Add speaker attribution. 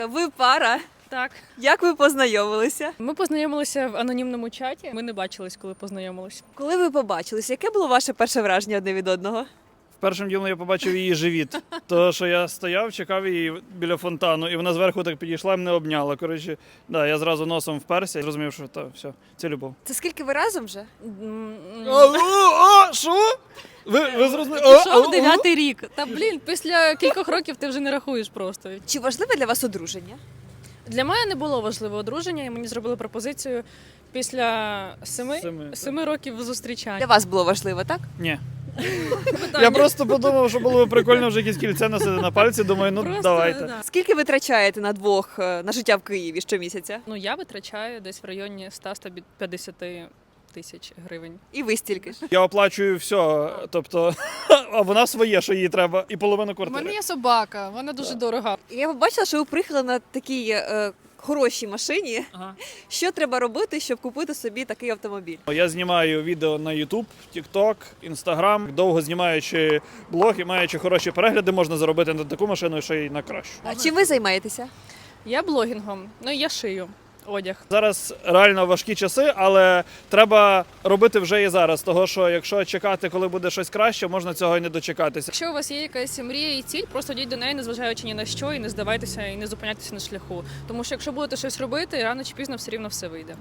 Speaker 1: Ви пара.
Speaker 2: Так.
Speaker 1: Як ви познайомилися?
Speaker 2: Ми познайомилися в анонімному чаті. Ми не бачились, коли познайомилися.
Speaker 1: Коли ви побачилися, яке було ваше перше враження одне від одного?
Speaker 3: Першим ділом я побачив її живіт. Тому що я стояв, чекав її біля фонтану, і вона зверху так підійшла і мене обняла. Коротше, да, я зразу носом вперся і зрозумів, що все, це любов.
Speaker 1: Це скільки ви разом вже?
Speaker 3: Що? Ви зрозуміли?
Speaker 2: Пішов 9-й рік. Та після кількох років ти вже не рахуєш просто.
Speaker 1: Чи важливе для вас одруження?
Speaker 2: Для мене не було важливе одруження, і мені зробили пропозицію після 7 років зустрічань.
Speaker 1: Для вас було важливо, так?
Speaker 3: Ні.
Speaker 2: Питання.
Speaker 3: Я просто подумав, що було б прикольно вже якесь кільце носити на пальці. Думаю, ну
Speaker 2: Просто,
Speaker 3: давайте.
Speaker 2: да.
Speaker 1: Скільки ви трачаєте на двох на життя в Києві щомісяця?
Speaker 2: Ну, я витрачаю десь в районі 100-150 тисяч гривень.
Speaker 1: І ви стільки ж.
Speaker 3: Я оплачую все, тобто, а вона своє, що їй треба, і половину
Speaker 4: У
Speaker 3: квартири.
Speaker 4: мене є собака, вона дуже дорога.
Speaker 1: Я побачила, що ви приїхали на такій хорошій машині.
Speaker 3: Ага.
Speaker 1: Що треба робити, щоб купити собі такий автомобіль?
Speaker 3: Я знімаю відео на YouTube, TikTok, Instagram. Довго знімаючи блог і маючи хороші перегляди, можна заробити на таку машину, що й на кращу.
Speaker 1: А чим ви займаєтеся?
Speaker 2: Я блогінгом, ну і я шию одяг.
Speaker 3: Зараз реально важкі часи, але треба робити вже і зараз. Того, що якщо чекати, коли буде щось краще, можна цього і не дочекатися.
Speaker 2: Якщо у вас є якась мрія і ціль, просто йдіть до неї, незважаючи ні на що, і не здавайтеся, і не зупиняйтеся на шляху. Тому що якщо будете щось робити, рано чи пізно все рівно все вийде.